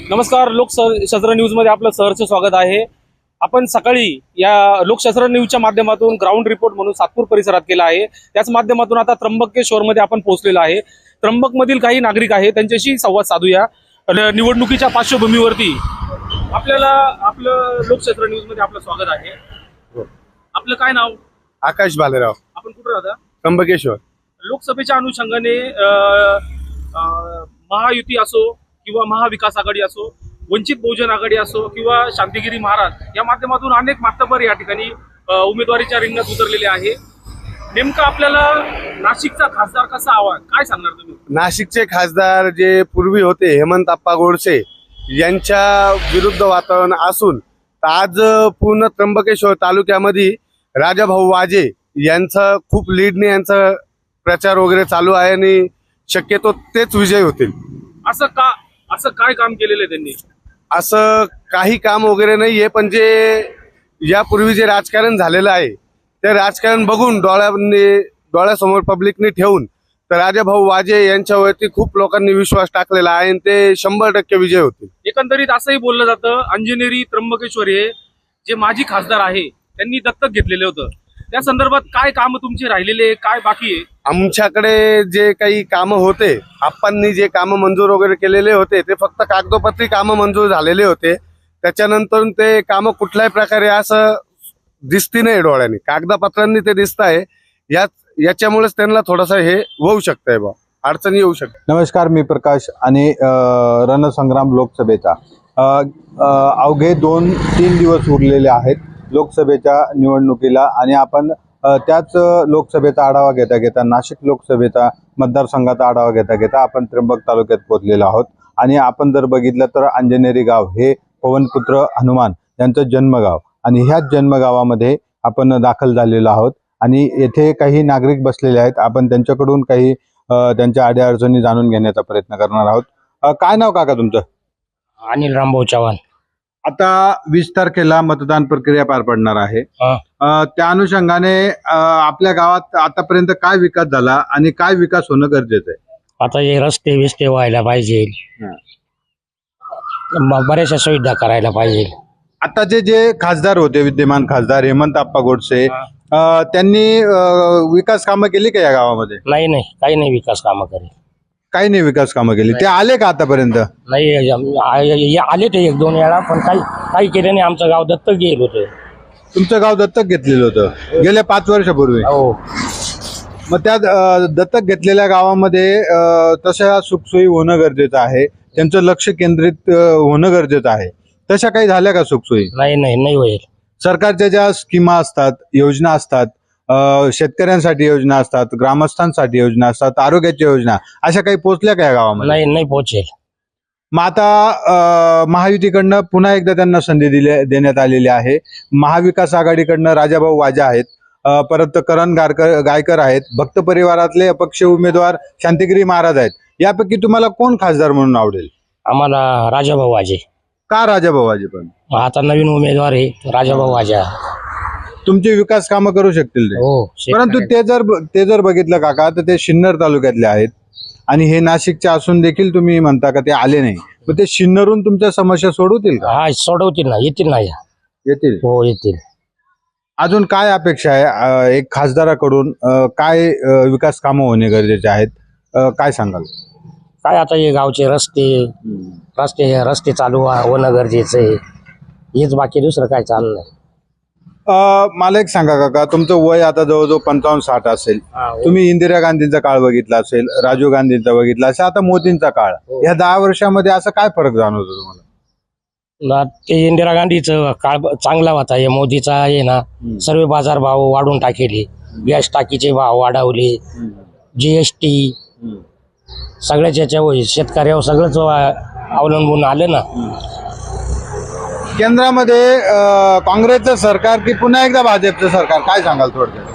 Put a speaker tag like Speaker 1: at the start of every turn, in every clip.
Speaker 1: नमस्कार, लोकशास्त्र न्यूजमध्ये आपलं सहर्ष स्वागत आहे। आपण सकाळी या लोकशास्त्र न्यूजच्या माध्यमातून ग्राउंड रिपोर्ट म्हणून सातपूर परिसरात केला आहे। त्याच माध्यमातून आता त्र्यंबकेश्वरमध्ये आपण पोहोचलेलो आहे। त्र्यंबकमधील काही नागरिक आहेत, त्यांच्याशी संवाद साधूया। निवडणुकीच्या पार्श्वभूमीवरती आपल्याला आपलं लोकशास्त्र न्यूजमध्ये आपलं स्वागत आहे। आपलं काय नाव?
Speaker 2: आकाश भालेराव।
Speaker 1: आपण कुठे राहता?
Speaker 2: त्र्यंबकेश्वर।
Speaker 1: लोकसभेच्या अनुषंगाने महायुती असो किंवा महाविकास आघाडी असो, वंचित बहुजन आघाडी असो किंवा शांतिगिरी महाराज या माध्यमातून अनेक मातबर या ठिकाणी उमेदवारीच्या रिंगणात उतरलेले आहे। नेमकं आपल्याला नाशिकचा खासदार कसा हवा, काय सांगणार तुम्ही?
Speaker 2: नाशिकचे खासदार जे पूर्वी होते हेमंत आप्पा गोडसे यांच्या विरुद्ध वातावरण असून आज पूर्ण त्र्यंबकेश्वर तालुक्यामध्ये राजाभाऊ वाजे यांचा खूप लीडने यांचा प्रचार वगैरे चालू आहे आणि शक्यतो तेच विजय होतील।
Speaker 1: असं काय काम केलेलं आहे त्यांनी?
Speaker 2: असं काही काम वगैरे नाहीये, पण जे यापूर्वी जे राजकारण झालेलं आहे ते राजकारण बघून डोळ्यासमोर पब्लिकने ठेवून तर राजाभाऊ वाजे यांच्यावरती खूप लोकांनी विश्वास टाकलेला आहे आणि ते 100% विजय होतील।
Speaker 1: एकंदरीत असंही बोललं जातं, अंजनेरी त्र्यंबकेश्वर हे जे माजी खासदार आहे त्यांनी दत्तक घेतलेलं होतं। त्या संदर्भात काय काम तुमचे राहिलेले, काय बाकी आहे?
Speaker 2: आमच्याकडे जे काही कामं होते, आप्पांनी जे कामं मंजूर वगैरे केलेले होते ते फक्त कागदोपत्री कामं मंजूर झालेले होते। त्याच्यानंतर ते कामं कुठल्याही प्रकारे असं दिसती नाही डोळ्यांनी, कागदपत्रांनी ते दिसत आहे। याच्यामुळेच त्यांना थोडंसं हे होऊ शकतंय बा, अडचणी येऊ शकते।
Speaker 3: नमस्कार, मी प्रकाश आणि रणसंग्राम लोकसभेचा अवघे 2-3 दिवस उरलेले आहेत लोकसभेच्या निवडणुकीला आणि आपण त्याच लोकसभेचा आढावा घेता नाशिक लोकसभेचा मतदारसंघाचा आढावा घेता आपण त्र्यंबक तालुक्यात पोहोचलेलो आहोत। आणि आपण जर बघितलं तर अंजनेरी गाव हे पवनपुत्र हनुमान यांचं जन्मगाव आणि ह्याच जन्मगावामध्ये आपण दाखल झालेलो आहोत आणि येथे काही नागरिक बसलेले आहेत। आपण त्यांच्याकडून काही त्यांच्या अडीअडचणी जाणून घेण्याचा प्रयत्न करणार आहोत। काय नाव काका तुमचं?
Speaker 4: अनिल रामभाऊ चव्हाण।
Speaker 3: आता 20 तारखेला मतदान प्रक्रिया पार पडणार आहे। त्या अनुषंगाने आपल्या गावात आतापर्यंत काय विकास झाला आणि काय विकास होणं गरजेचं आहे?
Speaker 4: आता हे रस्ते विस्ते व्हायला पाहिजे, बऱ्याचशा सुविधा करायला पाहिजे।
Speaker 3: आताचे जे खासदार होते, विद्यमान खासदार हेमंत आप्पा गोडसे, त्यांनी विकास कामं केली का या गावामध्ये?
Speaker 4: नाही, काही नाही विकास कामं करेल।
Speaker 3: काही नाही विकास कामं केली। ते आले का आतापर्यंत?
Speaker 4: नाही, आले ते 1-2 वेळा, पण काही केलं नाही। आमचं गाव दत्तक गेलं होतं।
Speaker 3: तुमचं गाव दत्तक घेतलेलं होतं गेल्या 5 वर्षापूर्वी?
Speaker 4: हो।
Speaker 3: मग त्या दत्तक घेतलेल्या गावामध्ये तशा सुखसोयी होणं गरजेचं आहे, त्यांचं लक्ष केंद्रित होणं गरजेचं आहे। तशा काही झाल्या का सुखसोयी?
Speaker 4: नाही होईल।
Speaker 3: सरकारच्या ज्या स्कीमा असतात, योजना असतात, शेतकऱ्यांसाठी योजना असतात, ग्रामस्थांसाठी योजना असतात, आरोग्याच्या योजना, अशा काही पोहोचल्या का या गावामध्ये?
Speaker 4: नाही पोहोचेल।
Speaker 3: मग आता महायुतीकडनं पुन्हा एकदा त्यांना संधी देण्यात आलेली आहे। महाविकास आघाडीकडनं राजाभाऊ वाजे आहेत, परत करण गायकर आहेत, भक्त परिवारातले अपक्ष उमेदवार शांतिगिरी महाराज आहेत। यापैकी तुम्हाला कोण खासदार म्हणून आवडेल?
Speaker 4: आम्हाला राजाभाऊ वाजे।
Speaker 3: का राजाभाऊ वाजे? पण
Speaker 4: आता नवीन उमेदवार आहे राजाभाऊ वाजे,
Speaker 3: तुमचे विकास कामं करू शकतील ते।
Speaker 4: हो।
Speaker 3: परंतु ते जर बघितलं काका तर ते सिन्नर तालुक्यातले आहेत आणि हे नाशिकचे असून देखील तुम्ही म्हणता का ते आले नाही। मग ते सिन्नरून तुमच्या समस्या सोडवतील का?
Speaker 4: हा, सोडवतील ना, येतील ना?
Speaker 3: येतील।
Speaker 4: हो, येतील।
Speaker 3: अजून काय अपेक्षा आहे एक खासदाराकडून? काय विकास कामं होणे गरजेचे आहेत, काय सांगाल?
Speaker 4: काय आता हे गावचे रस्ते चालू होणं गरजेचं आहे, हेच, बाकी दुसरं काय चालू नाही।
Speaker 3: मला एक सांगा काका, तुमचं वय आता जवळजवळ 55-60 असेल। तुम्ही इंदिरा गांधींचा काळ बघितला असेल, राजीव गांधींचा बघितला असेल, आता मोदींचा काळ, या 10 वर्षामध्ये असं काय फरक जाणवतो तुम्हाला?
Speaker 4: ते इंदिरा गांधीचं काळ चांगला होता, हे मोदीचा आहे ना, सर्व बाजार भाव वाढून टाकेले, गॅस टाकीचे भाव वाढवले, GST सगळ्याच याच्यावर शेतकऱ्यावर सगळंच अवलंबून आलं ना।
Speaker 3: केंद्रामध्ये काँग्रेसचं सरकार की पुन्हा एकदा भाजपचं सरकार, काय सांगाल थोडक्यात?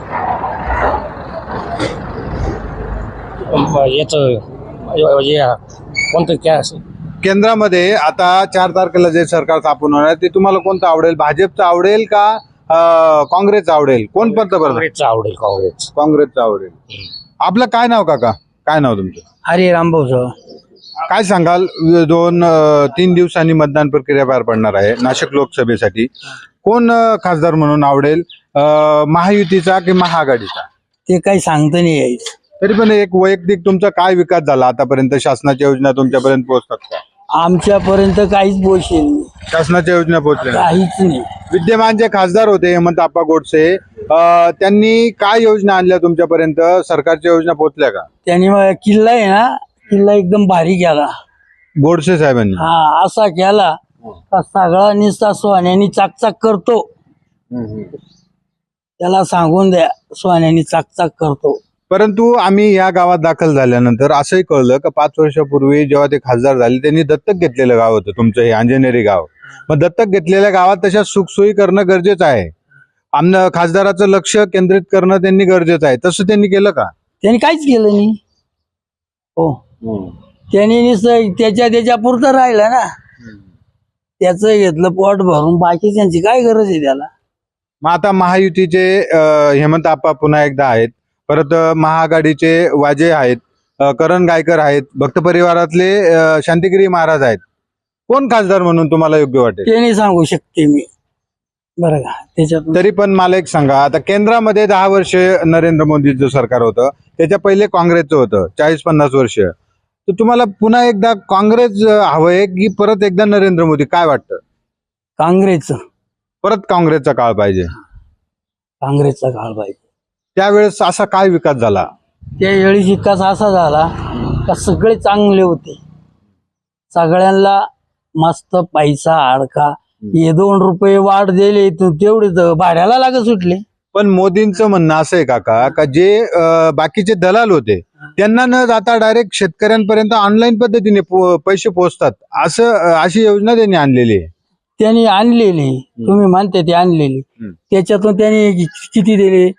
Speaker 4: कोणतं
Speaker 3: केंद्रामध्ये आता 4 तारखेला जे सरकार स्थापन होणार ते तुम्हाला कोणतं आवडेल? भाजपचं आवडेल का काँग्रेसचं आवडेल? कोण पंतप्रधान?
Speaker 4: काँग्रेसचं आवडेल।
Speaker 3: काँग्रेसचं आवडेल। आपलं काय नाव काका? काय नाव तुमचं?
Speaker 5: हरे रामभाऊ।
Speaker 3: काय सांगाल 2-3 दिवसांनी मतदान प्रक्रिया पार पडणार आहे नाशिक लोकसभेसाठी. कोण खासदार म्हणून आवडेल, महायुतीचा की महाआघाडीचा?
Speaker 5: ते काही सांगता नाही यायचं.
Speaker 3: तरी पण एक वैयक्तिक तुमचा काय विकास झाला आतापर्यंत? शासनाच्या योजना तुमच्यापर्यंत पोहोचतात का?
Speaker 5: आमच्यापर्यंत काहीच पोचेल नाही,
Speaker 3: शासनाच्या योजना पोहोचल्या नाही?
Speaker 5: काहीच नाही.
Speaker 3: विद्यमान जे खासदार होते हेमंत आप्पा गोडसे, त्यांनी काय योजना आणल्या तुमच्यापर्यंत? सरकारच्या योजना पोहोचल्या का?
Speaker 5: त्यांनी मग किल्ला आहे ना, किल्ला एकदम भारी केला.
Speaker 3: गोडसे साहेबांनी?
Speaker 5: हा, असा केला का सगळा निस्ता सोन्यानी चाकचाक करतो. त्याला सांगून द्या, सोन्यानी चाकचाक करतो.
Speaker 3: परंतु आम्ही या गावात दाखल झाल्यानंतर असंही कळलं की 5 वर्षापूर्वी जेव्हा ते खासदार झाले त्यांनी दत्तक घेतलेलं गाव होतं तुमचं हे अंजनेरी गाव. मग दत्तक घेतलेल्या गावात तशा सुखसोयी करणं गरजेचं आहे. आमनं खासदाराचं लक्ष केंद्रित करणं त्यांनी गरजेचं आहे. तसं त्यांनी केलं का?
Speaker 5: त्यांनी काहीच केलं नाही. हो, त्यांनी नुसतं त्याच्या पुरतं राहिलं ना, त्याचं घेतलं पोट भरून, बाकी त्यांची काय गरज आहे त्याला.
Speaker 3: मग आता महायुतीचे हेमंत आप्पा पुन्हा एकदा आहेत, परत महाआघाडीचे वाजे आहेत, करण गायकर आहेत, भक्त परिवारातले शांतिगिरी महाराज आहेत. कोण खासदार म्हणून तुम्हाला योग्य वाटेल?
Speaker 5: ते नाही सांगू शकते मी, बरं का. त्याच्यात
Speaker 3: तरी पण मला एक सांगा, आता केंद्रामध्ये 10 वर्ष नरेंद्र मोदीचं सरकार होतं, त्याच्या पहिले काँग्रेसचं होतं 40-50 वर्ष. तर तुम्हाला पुन्हा एकदा काँग्रेस हवंय की परत एकदा नरेंद्र मोदी? काय वाटतं?
Speaker 5: काँग्रेसचा
Speaker 3: काँग्रेसचा काळ पाहिजे.
Speaker 5: काळ पाहिजे.
Speaker 3: त्यावेळेस असा काय विकास झाला?
Speaker 5: त्यावेळी विकास असा झाला का सगळे चांगले होते, सगळ्यांना मस्त पैसा अडका. हे 2 रुपये वाढ दिले तेवढेच भाड्याला लागत सुटले.
Speaker 3: पण मोदींचं म्हणणं असं आहे काका, का जे बाकीचे दलाल होते त्यांना न जाता डायरेक्ट शेतकऱ्यांपर्यंत ऑनलाईन पद्धतीने पैसे पोहोचतात, अशी योजना त्यांनी आणलेली आहे.
Speaker 5: त्यांनी आणलेली, तुम्ही म्हणते ते आणलेली, त्याच्यातून त्यांनी किती दिले?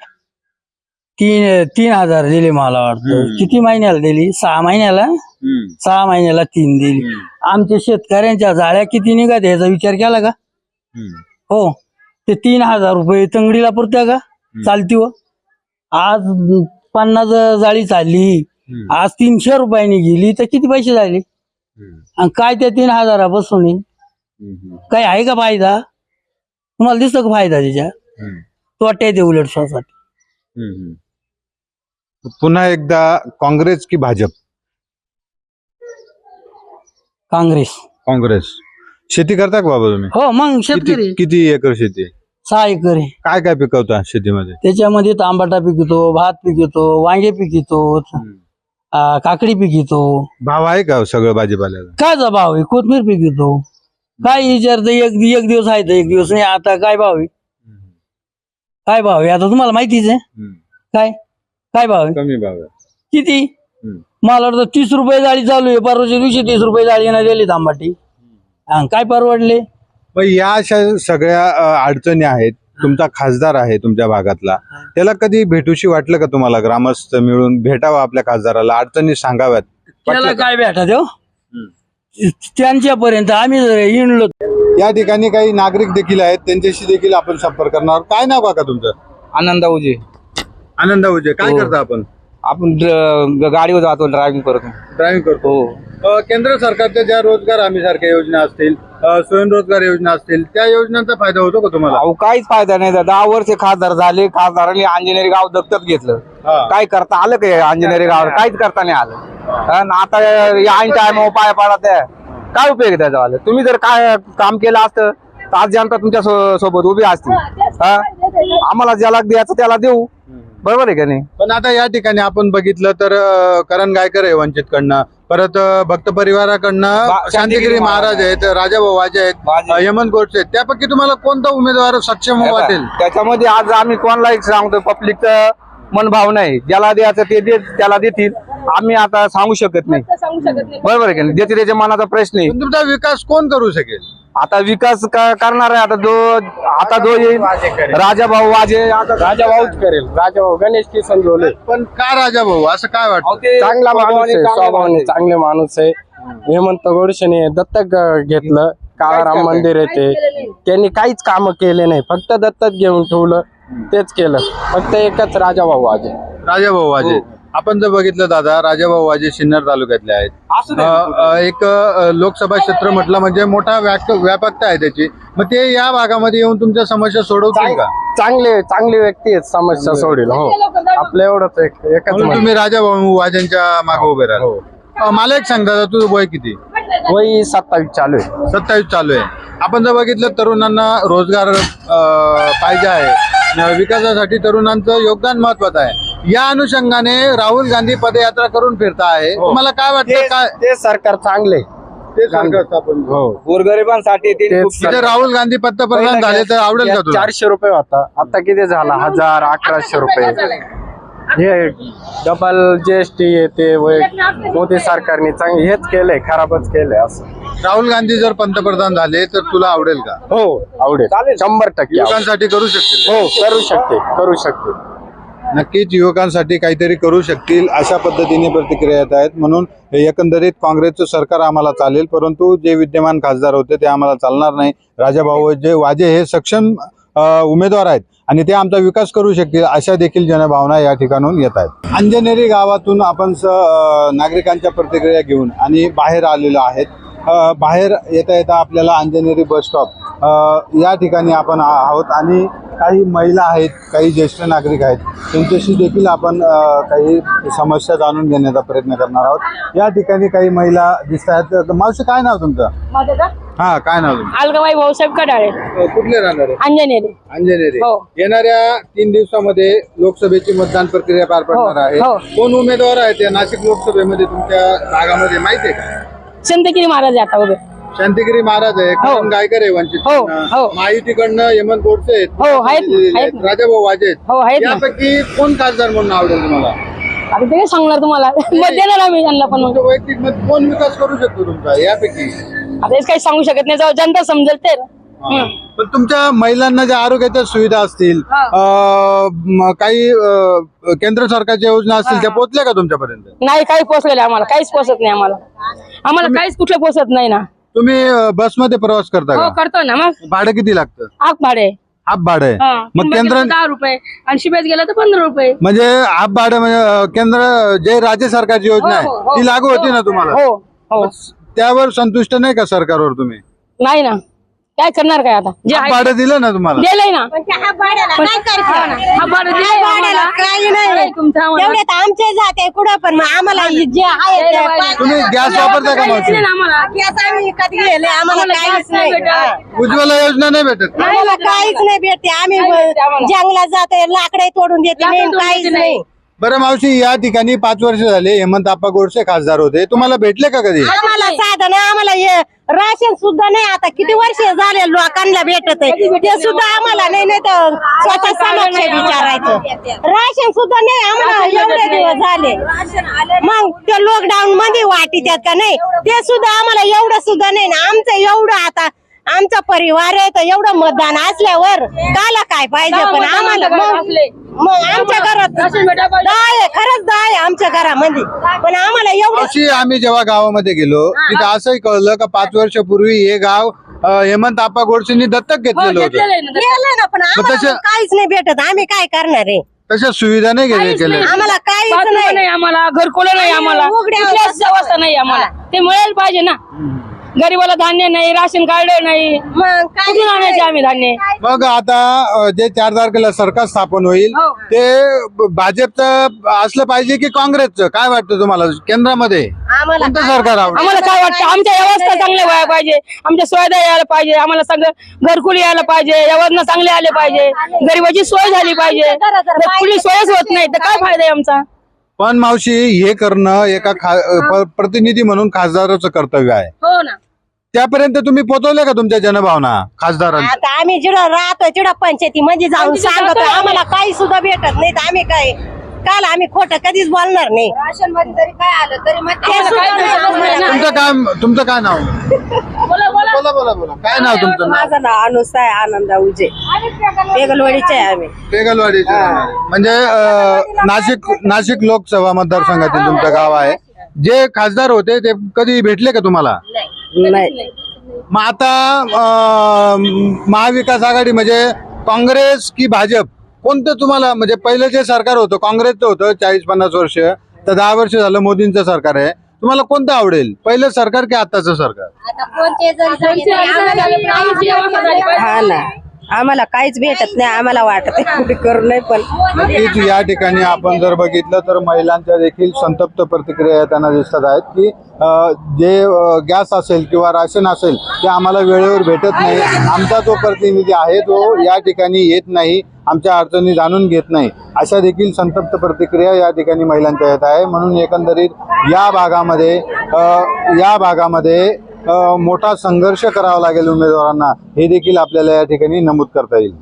Speaker 5: 3,000 दिले मला वाटतं. किती महिन्याला दिली? 6 महिन्याला. 6 महिन्याला 3 दिली. आमच्या शेतकऱ्यांच्या जाळ्या किती निघत याचा विचार केला का? हो, ते 3,000 रुपये तंगडीला पुरत्या का? चालती व आज 50 जाळी चालली, आज 300 रुपयांनी गेली, तर किती पैसे झाले? आणि काय त्या 3,000 बसून काही आहे का फायदा? तुम्हाला दिसतो का फायदा त्याच्यात? तोट्यात आहे उलट स्वतःसाठी.
Speaker 3: पुन्हा एकदा काँग्रेस की भाजप? काँग्रेस. शेती करता का बाबा तुम्ही?
Speaker 5: हो, मग शेतकरी.
Speaker 3: किती एकर शेती?
Speaker 5: 6 एकर आहे.
Speaker 3: काय काय पिकवता शेतीमध्ये?
Speaker 5: त्याच्यामध्ये तांबाटा पिकतो, भात पिकतो, वांगे पिकतो, काकडी पिकतो.
Speaker 3: भाव आहे का सगळं भाजीपाल्याला?
Speaker 5: काय भाव आहे? कोथमीर पिकतो. काय विचारतं, एक दिवस आहे तर एक दिवस नाही. आता काय भाव आहे? काय भाव आहे आता तुम्हाला माहितीच आहे. काय भाव आहे?
Speaker 3: कमी भाव आहे.
Speaker 5: किती? मला वाटतं 30 रुपये जाळी चालू आहे. परवाच्या दिवशी 30 रुपये जाळी नाही दिली तांबाटी. काय परवडले?
Speaker 3: मग या अशा सगळ्या अडचणी आहेत. तुमचा खासदार आहे तुमच्या भागातला, त्याला कधी भेटूशी वाटलं का तुम्हाला? ग्रामस्थ मिळून भेटावं आपल्या खासदाराला, अडचणी सांगाव्यात?
Speaker 5: त्याला काय भेटा देऊ त्यांच्यापर्यंत आम्ही जर हिंडलो.
Speaker 3: या ठिकाणी काही नागरिक देखील आहेत, त्यांच्याशी देखील आपण संपर्क करणार आहोत. काय नाव काका तुमचं?
Speaker 1: आनंद उजे.
Speaker 3: आनंद उजे. काय करता आपण?
Speaker 1: आपण गाडीवर जातो, ड्रायव्हिंग करतो.
Speaker 3: केंद्र सरकारच्या ज्या रोजगार हमी सारख्या योजना असतील, स्वयंरोजगार योजना असतील, त्या योजनांचा फायदा होतो का तुम्हाला?
Speaker 1: अहो, काहीच फायदा नाही. 10 वर्ष खासदार झाले, खासदारांनी अंजनेरी गाव दत्तक घेतलं. काय करता आलं का अंजनेरी गावावर? काहीच करता नाही आलं. आता ऐन टाइम पाय पाडत काय उपयोग आहे त्याचा? तुम्ही जर काय काम केलं असतं तर आज जनता तुमच्या सोबत उभी असती. आम्हाला ज्याला द्यायचं त्याला देऊ, बरोबर आहे का नाही?
Speaker 3: पण आता या ठिकाणी आपण बघितलं तर करण गायकर आहे वंचितकडनं, परत भक्त परिवाराकडनं शांतिगिरी महाराज आहेत, राजाभाऊ वाजे आहेत, हेमंत गोडसे आहेत. त्यापैकी तुम्हाला कोणता उमेदवार सक्षम वाटेल?
Speaker 1: त्याच्यामध्ये आज आम्ही कोणालाही सांगतो, पब्लिकचं मनभाव नाही. ज्याला द्यायचं ते त्याला देतील. आम्ही आता सांगू शकत नाही, बरोबर आहे का नाही? ज्याच्या त्याच्या मनाचा प्रश्न आहे.
Speaker 3: तुमचा विकास कोण करू शकेल?
Speaker 1: आता विकास करणार आहे आता जो येईल राजाभाऊ वाजे. आता
Speaker 6: राजाभाऊच करेल. राजाभाऊ गणेश किसन झोले.
Speaker 3: पण का राजाभाऊ असं काय वाटतं?
Speaker 6: चांगला माणूस आहे, स्वभावाने चांगले माणूस आहे. हेमंत गोडसेने दत्तक घेतलं, काळाराम मंदिर येते, त्यांनी काहीच काम केले नाही, फक्त दत्तक घेऊन ठेवलं, तेच केलं. फक्त एकच राजाभाऊ वाजे.
Speaker 3: राजाभाऊ वाजे. आपण जर बघितलं दादा, राजाभाऊ वाजे सिन्नर तालुक्यातले आहेत. एक लोकसभा क्षेत्र म्हटलं म्हणजे मोठा व्यापकता आहे त्याची. मग ते या भागामध्ये येऊन तुमच्या समस्या सोडवतील का?
Speaker 6: चांगली व्यक्ती आहेत, समस्या सोडील. हो, आपलं एवढंच एकच
Speaker 3: म्हणून
Speaker 6: म्हणणं.
Speaker 3: तुम्ही राजाभाऊ वाजेंच्या मागे उभे राहा. मला एक सांग दादा, तुझं वय किती?
Speaker 6: वय 27 चालू आहे.
Speaker 3: 27 चालू आहे. आपण जर बघितलं तरुणांना रोजगार पाहिजे आहे, विकासासाठी तरुणांचं योगदान महत्वाचं आहे. या अनुषंगाने राहुल गांधी पदयात्रा करून फिरता आहे. तुम्हाला काय वाटतं? काय
Speaker 6: ते सरकार चांगले.
Speaker 3: ते सरकार स्थापन
Speaker 6: हो,
Speaker 2: गोरगरिबांसाठी
Speaker 3: तिथे राहुल गांधी पंतप्रधान झाले तर आवडेल का तुला?
Speaker 6: 400 रुपये होता, आता किती झाला? 1000, 1100 रुपये. हे डबल GST येते. मोदी सरकारने हेच केलंय, खराबच केलंय असं.
Speaker 3: राहुल गांधी जर पंतप्रधान झाले तर तुला आवडेल का?
Speaker 6: हो, आवडेल. 100% आवडेल.
Speaker 3: युवकांसाठी करू शकतील?
Speaker 6: हो, करू शकते.
Speaker 3: नक्कीच युवकांसाठी काहीतरी करू शकतील अशा पद्धतीने प्रतिक्रिया येत आहेत. म्हणून एकंदरीत काँग्रेसचं सरकार आम्हाला चालेल, परंतु जे विद्यमान खासदार होते ते आम्हाला चालणार नाही. राजाभाऊ वाजे हे सक्षम उमेदवार आहेत आणि ते आमचा विकास करू शकतील अशा देखील जनभावना या ठिकाणून येत आहेत. अंजनेरी गावातून आपण नागरिकांच्या प्रतिक्रिया घेऊन आणि बाहेर आलेलो आहेत. बाहेर येता येता आपल्याला अंजनेरी बस स्टॉप या ठिकाणी आपण आहोत आणि काही महिला आहेत, काही ज्येष्ठ नागरिक आहेत, त्यांच्याशी देखील आपण काही समस्या जाणून घेण्याचा प्रयत्न करणार आहोत. या ठिकाणी काही महिला दिसत आहेत. मावशी, काय नाव तुमचं? हा, काय नाव तुमचं?
Speaker 7: अलगाबाई भाऊसाहेब कडाळे,
Speaker 3: कुठले राहणार आहे?
Speaker 7: अंजनेरी.
Speaker 3: अंजनेरी.
Speaker 7: हो.
Speaker 3: येणाऱ्या 3 दिवसामध्ये लोकसभेची मतदान प्रक्रिया पार पडणार आहे.
Speaker 7: हो.
Speaker 3: कोण उमेदवार आहेत या नाशिक लोकसभेमध्ये तुमच्या भागामध्ये माहिती आहे का?
Speaker 7: संतगिरी महाराज आता उभे.
Speaker 3: शांतिगिरी महाराज आहे, करण गायकर आहे वंचित.
Speaker 7: हो, हो.
Speaker 3: महायुतीकडनं हेमंत गोडसे आहेत,
Speaker 7: हो, आहेत ना.
Speaker 3: राजाभाऊ वाजे आहेत.
Speaker 7: हो, आहेत ना.
Speaker 3: यापैकी कोण खासदार म्हणून आवडेल तुम्हाला?
Speaker 7: आता ते काय सांगणार तुम्हाला, मत देणार आम्ही त्यांना पण.
Speaker 3: तुमच्या वैयक्तिक मत कोण विकास करू शकतो तुमचा यापैकी?
Speaker 7: आता हेच काही सांगू शकत नाही, जेव्हा जनता समजेल तर.
Speaker 3: पण तुमच्या महिलांना ज्या आरोग्याच्या सुविधा असतील, काही केंद्र सरकारच्या योजना असतील, त्या पोहोचल्या का तुमच्यापर्यंत?
Speaker 7: नाही, काही पोचलेलं आम्हाला, काहीच पोचत नाही आम्हाला काहीच कुठलं पोचत नाही ना.
Speaker 3: तुम्ही बसमध्ये प्रवास करता
Speaker 7: हो,
Speaker 3: का?
Speaker 7: करतो ना. मग
Speaker 3: भाडं किती लागतं?
Speaker 7: आग भाडे
Speaker 3: हाफ भाडं आहे. मग केंद्र
Speaker 7: 10 रुपये आणि शिबेत गेलं तर 15 रुपये.
Speaker 3: म्हणजे हाफ भाडं म्हणजे केंद्र जे राज्य सरकारची योजना
Speaker 7: हो,
Speaker 3: आहे
Speaker 7: हो,
Speaker 3: ती लागू होती ना तुम्हाला?
Speaker 7: हो, हो.
Speaker 3: त्यावर संतुष्ट नाही का सरकारवर तुम्ही?
Speaker 7: नाही ना, काय करणार काय आता? जे
Speaker 3: हाफ
Speaker 7: आहे
Speaker 3: भाडं दिलं ना तुम्हाला?
Speaker 7: दिलंय ना.
Speaker 8: हा भाड्याला काय करते?
Speaker 7: हा भाडं दिलंय
Speaker 8: भाड्याला
Speaker 7: आम्हाला.
Speaker 8: काही नाही.
Speaker 7: नाही, तुमचं आम्हाला.
Speaker 8: तेवढे तर आमचे जाते कुठं पण मग आम्हाला जे आहे ते
Speaker 7: द्यायला पाहिजे.
Speaker 3: तुम्ही गॅस वापरता का
Speaker 7: काहीच
Speaker 3: मावशी?
Speaker 7: नाही ना आम्हाला.
Speaker 8: गॅस आम्ही विकत गेले आम्हाला
Speaker 7: आम्हाला
Speaker 8: काहीच
Speaker 7: गॅस नाही
Speaker 8: नाही.
Speaker 7: भेटत.
Speaker 3: उज्ज्वला योजना नाही भेटत का?
Speaker 8: आम्हाला काहीच नाही भेटते. आम्ही
Speaker 7: नाही भेटते आम्हाला.
Speaker 8: जंगलात जाते, लाकडे तोडून देते
Speaker 7: लाकडं
Speaker 8: नाही,
Speaker 7: तोडून
Speaker 8: काहीच
Speaker 7: देते
Speaker 8: नाही.
Speaker 3: बरं मावशी, या ठिकाणी 5 वर्ष झाले हेमंत आप्पा गोडसे खासदार होते, तुम्हाला भेटले का कधी?
Speaker 8: आम्हाला साधन आम्हाला हे राशन सुद्धा नाही. आता किती वर्ष झाले लोकांना भेटत आहे ते सुद्धा आम्हाला नाही तर स्वतः समक्ष विचारायचं. राशन सुद्धा नाही आम्हाला एवढे दिवस झाले. मग ते लॉकडाऊन मध्ये वाटी त्यात का नाही ते सुद्धा आम्हाला एवढं सुद्धा नाही ना. आमचं एवढं आता आमचा परिवार आहे तर एवढं मतदान असल्यावर काला काय पाहिजे. पण आम्हाला मग आमच्या घरात 10 आहे, खरंच 10 आहे आमच्या घरामध्ये. पण आम्हाला एवढं
Speaker 3: मावशी, आम्ही जेव्हा गावामध्ये गेलो तिथं असंही कळलं का 5 वर्षापूर्वी हे गाव हेमंत आप्पा गोडसेंनी दत्तक घेतलेलं होतं.
Speaker 8: गेलं ना. पण आम्हाला
Speaker 3: तसं-
Speaker 8: मग काहीच नाही भेटत. आम्ही काय करणार आहे?
Speaker 3: तशा सुविधा नाही केल्या.
Speaker 8: आम्हाला काहीच
Speaker 7: बाथरूम
Speaker 8: नाही.
Speaker 7: आम्हाला, घरकुलं नाही आम्हाला,
Speaker 8: उघड्या
Speaker 7: कुठल्याच व्यवस्था नाही आम्हाला. ते मिळायला पाहिजे ना. गरीबाला धान्य नाही, राशन कार्ड नाही,
Speaker 8: मग काय
Speaker 7: कुठून आणायचे आम्ही धान्य?
Speaker 3: मग आता जे 4 तारखेला सरकार स्थापन होईल
Speaker 7: हो.
Speaker 3: ते भाजपचं असलं पाहिजे की काँग्रेसचं? काय वाटतं तुम्हाला केंद्रामध्ये
Speaker 8: आम्हाला
Speaker 3: कोणतं सरकार आवडतं?
Speaker 7: आम्हाला काय वाटतं, आमच्या व्यवस्था चांगल्या व्हायला पाहिजे, आमच्या सुविधा यायला पाहिजे, आम्हाला सगळं घरकुल यायला पाहिजे, योजना चांगले आले पाहिजे, गरीबाची सोय झाली पाहिजे. जर कुठली सोयच होत नाही तर काय फायदा आहे आमचा?
Speaker 3: पण मावशी, हे करणं एका प्रतिनिधी म्हणून खासदाराचं कर्तव्य आहे.
Speaker 7: हो ना.
Speaker 3: त्यापर्यंत तुम्ही पोहोचवले का तुमच्या जनभावना खासदारांना?
Speaker 8: आता आम्ही जिडं राहतो तिडं पंचायती मध्ये जाऊन सांगतो आम्हाला काही सुद्धा भेटत नाही. तर आम्ही काय काल आम्ही खोटं कधीच बोलणार नाही. राशन मध्ये जरी काय आलं तरी
Speaker 3: तुमचं काय नाव? बोला. काय नाव तुमचं?
Speaker 8: माझं नाव अनुसा आहे, आनंदा उजे, बेगलवाडीचे आहे आम्ही.
Speaker 3: बेगलवाडीचे. म्हणजे नाशिक लोकसभा मतदारसंघातील तुमचं गाव आहे. जे खासदार होते ते कधी भेटले का तुम्हाला?
Speaker 8: नाही.
Speaker 3: मग आता महाविकास आघाडी म्हणजे काँग्रेस की भाजप कोणतं तुम्हाला म्हणजे पहिलं जे सरकार होतं काँग्रेसचं होतं 40-50 वर्ष, तर 10 वर्ष झालं मोदींचं सरकार आहे, तुम्हाला कोणतं आवडेल, पहिलं सरकार की आताचं सरकार?
Speaker 8: हा ना, आम्हाला काहीच भेटत नाही, आम्हाला वाटत करू नाही पण
Speaker 3: नक्कीच या ठिकाणी आपण जर बघितलं तर महिलांच्या देखील संतप्त प्रतिक्रिया येताना दिसत आहेत की जे गॅस असेल किंवा राशन असेल ते आम्हाला वेळेवर भेटत नाही, आमचा जो प्रतिनिधी आहे तो या ठिकाणी येत नाही, आमच्या अडचणी जाणून घेत नाही, अशा देखील संतप्त प्रतिक्रिया या ठिकाणी महिलांच्या येत आहे. म्हणून एकंदरीत या भागामध्ये मोठा संघर्ष करावा लागेल उमेदवारांना, हे देखील आपल्याला या ठिकाणी नमूद करता येईल.